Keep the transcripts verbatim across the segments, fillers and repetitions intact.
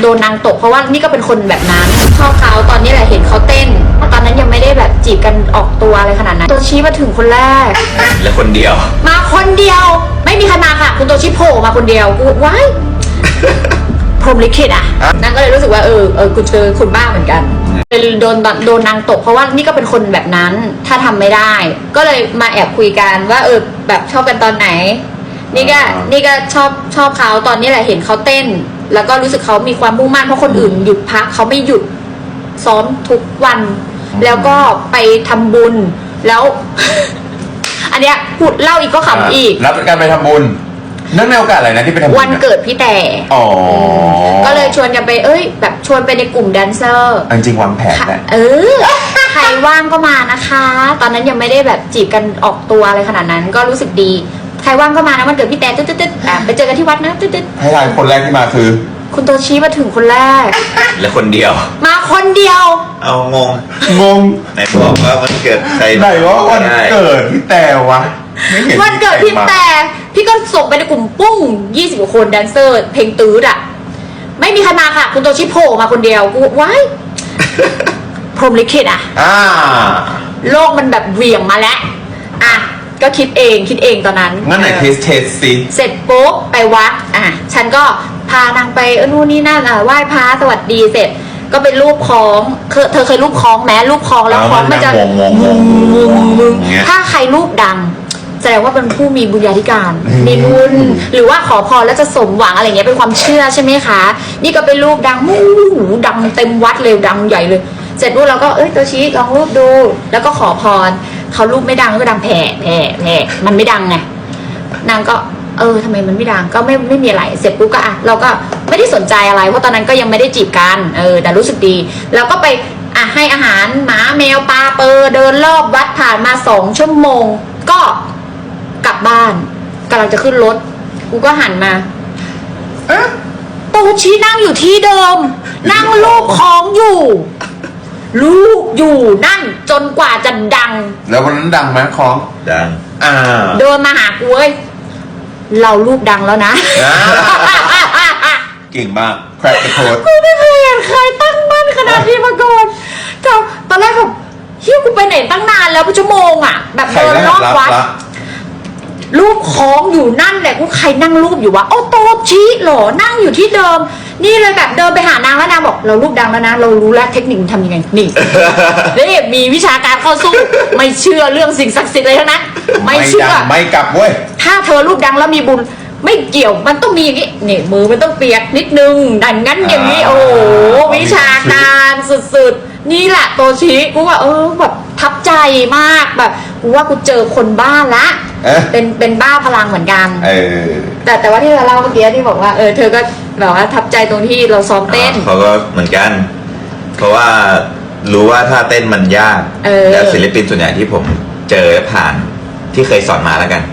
โดนนางตกเพราะว่านี่ก็เป็นคนแบบนั้นชอบเขาตอนนี้แหละเห็นเขาเต้นตอนนั้นยังไม่ได้แบบจีบกันออกตัวอะไรขนาดนั้นตัวชี้มาถึงคนแรกและคนเดียวมาคนเดียวไม่มีใครมาค่ะคุณตัวชี้โผล่มาคนเดียวกูว้ายพรหมลิขิตอ่ะนางก็เลยรู้สึกว่าเออเออกูเจอคนบ้าเหมือนกันโดนโดนนางตกเพราะว่านี่ก็เป็นคนแบบนั้นถ้าทำไม่ได้ก็เลยมาแอบคุยกันว่าเออแบบชอบกันตอนไหนนี่ก็นี่ก็ชอบชอบเขาตอนนี้แหละเห็นเขาเต้นแล้วก็รู้สึกเขามีความมุ่งมั่นเพราะคนอื่นหยุดพักเขาไม่หยุดซ้อมทุกวันแล้วก็ไปทำบุญแล้ว อันเนี้ยพูดเล่าอีกก็ขำอีกแล้วการไปทำบุญเนื่องในโอกาสอะไรนะที่ไปทำบุญวันเกิดพี่แต่อ๋อก็เลยชวนกันไปเอ้ยแบบชวนไปในกลุ่มแดนเซอร์จริงวางแผนแหละเออใครว่างก็มานะคะตอนนั้นยังไม่ได้แบบจีบกันออกตัวอะไรขนาดนั้นก็รู้สึกดีใครว่างก็มานะวันเกิดพี่แต่ตึ๊ดตึ๊ดตึ๊ดไปเจอกันที่วัดนะตึ๊ดตึ๊ดให้ทายคนแรกที่มาคือคุณโตชี้มาถึงคนแรกและคนเดียวมาคนเดียวเอางงงงไหนบอกว่าวันเกิดใครไหนว่าวันเกิดพี่แต่วะวันเกิดพี่แต่พี่ก็ส่งไปในกลุ่มปุ้งยี่สิบกว่าคนแดนเซอร์เพลงตื้ดอ่ะไม่มีใครมาค่ะคุณโตชิโผล่มาคนเดียวกูว้ายพรหมลิขิตอ่ะโลกมันแบบเหวี่ยงมาแล้วอ่ะก็คิดเองคิดเองตอนนั้นงั้นไหนเทสเทสสิเสร็จปุ๊บไปวัดอ่ะฉันก็พานางไปเออนู่นนี่นั่นอ่ะไหว้พระสวัสดีเสร็จก็เป็นรูปคล้องเธอเธอเคยรูปคล้องแม้รูปคล้องแล้วคล้องมันจะงงงงมึงถ้าใครรูปดังแสดงว่าเป็นผู้มีบุญญาธิการมีบุญหรือว่าขอพรแล้วจะสมหวังอะไรเงี้ยเป็นความเชื่อใช่ไหมคะนี่ก็เป็นรูปดังมูหูดังเต็มวัดเลยดังใหญ่เลยเสร็จรูปเราก็เอ้ยตัวชี้ลองรูปดูแล้วก็ขอพรเขารูปไม่ดังก็ดังแผ่แผ่แผ่มันไม่ดังไงนางก็เออทำไมมันไม่ดังก็ไม่ไม่มีอะไรเสร็จปุ๊บก็อ่ะเราก็ไม่ได้สนใจอะไรเพราะตอนนั้นก็ยังไม่ได้จีบกันเออแต่รู้สึกดีแล้วก็ไปอ่ะให้อาหารหมาแมวปลาเปอร์เดินรอบวัดผ่านมาสองชั่วโมงก็กลับบ้านกำลังจะขึ้นรถกูก็หันมาเอ๊ะโตชี้นั่งอยู่ที่เดิมนั่งลูบคล้องอยู่ลูกอยู่นั่นจนกว่าจะดังแล้ววันนั้นดังไหมคล้องดังอ่าเดินมาหากูเว้ยเราลูกดังแล้วนะเก่งมากแคร็กโค้ดกูไม่เคยเห็นใครตั้งมั่นขนาดนี้มาก่อนแต่ตอนแรกแบบเฮ้ยกูไปไหนตั้งนานแล้วเป็นชั่วโมงอ่ะแบบเดินรอบวัดรูปคล้องอยู่นั่นแหละกูใครนั่งรูปอยู่วะโอ้โตชี้หรอนั่งอยู่ที่เดิมนี่เลยแบบเดินไปหานางแล้วนางบอกเรารูปดังแล้วนะเรารู้แล้วเทคนิคทำยังไงนี่นี่มีวิชาการเข้าสู้ไม่เชื่อเรื่องสิ่งศักดิ์สิทธิ์อะไรทั้งนั้นไม่เชื่อไม่กลับเว้ยถ้าเธอรูปดังแล้วมีบุญไม่เกี่ยวมันต้องมีอย่างนี้นี่มือมันต้องเปียกนิดนึงดังงั้นอย่างนี้โอ้วิชาการสุดๆนี่แหละโตชี้กูว่าเออแบบทับใจมากแบบกูว่ากูเจอคนบ้าละเป็นเป็นบ้าพลังเหมือนกันแต่แต่ว่าที่เราเล่าเมื่อกี้ที่บอกว่าเออเธอก็แบบว่าทับใจตรงที่เราซ้อมเต้นเขาก็เหมือนกันเพราะว่ารู้ว่าถ้าเต้นมันยากแล้วศิลปินส่วนใหญ่ที่ผมเจอผ่านที่เคยสอนมาแล้วกัน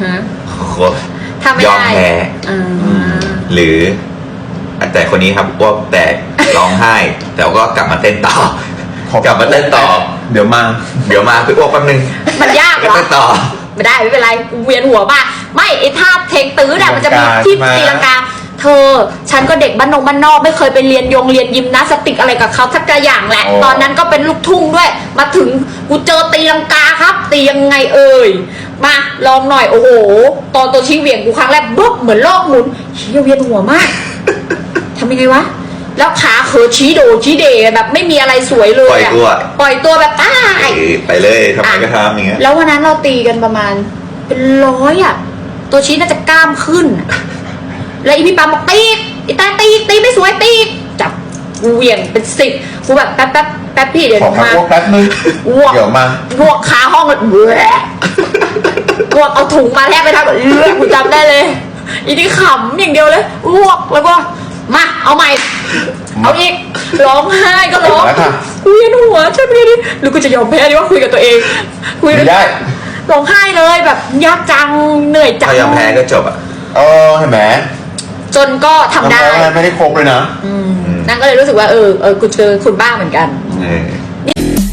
ยอมแพ้หรือแต่คนนี้ครับอ้วกแตกร้องไห้แต่ก็กลับมาเต้นต่อกลับมาเต้นต่อเดี๋ยวมาเดี๋ยวมาคืออ้วกแป๊บนึงมันยากเหรอเต้นต่อไม่ได้ไม่เป็นไรเวียนหัวป่ะไม่ไอ้ท่าเทคตื้อเนี่ยมันจะมีที่ตีลังกาเธอฉันก็เด็กบ้านนงบ้านนอกไม่เคยไปเรียนยงเรียนยิมนาสติกอะไรกับเขาสักอย่างแหละตอนนั้นก็เป็นลูกทุ่งด้วยมาถึงกูเจอตีลังกาครับตียังไงเอ่ยมาลองหน่อยโอ้โหตอนตัวชี้เหวี่ยงกูครั้งแรกบึ๊บเหมือนโลกหมุนเฮียเวียนหัวมากทำยังไงวะแล้วขาเขอชี้โดชี้เดแบบไม่มีอะไรสวยเลยปล่อยตัวปล่อยตัวแบบตายไปเลยทำไมก็ทำอย่างเงี้ยแล้ววันนั้นเราตีกันประมาณเป็นร้อยอ่ะตัวชี้น่าจะกล้ามขึ้นแล้วอีพี่ปั๊มบอกตีอีตาตีตีไม่สวยตีจับกูเหวี่ยงเป็นสิบกูแบบแป๊บแป๊บแป๊บพี่เดี๋ยวมาแป๊บนึงเดี๋ยวมาบวกขาห้องเลยเบื่อบวกเอาถุงมาแทบไปทำแบบเลือดกูจำได้เลยอีนี่ขำอย่างเดียวเลยบวกแล้วก็มาเอาใหม่เอาอีกร้องไห้ก็ร้องคุยกันหัวใช่ไหมดิหรือกูจะยอมแพ้ดีว่าคุยกับตัวเองคุยได้ร้องไห้เลยแบบยากจังเหนื่อยจังถ้ายอมแพ้ก็จบอ่ะเออเห็นไหมจนก็ทำได้ไม่ได้ครบเลยนะนั่นก็เลยรู้สึกว่าเออเออกูเจอคนบ้าเหมือนกัน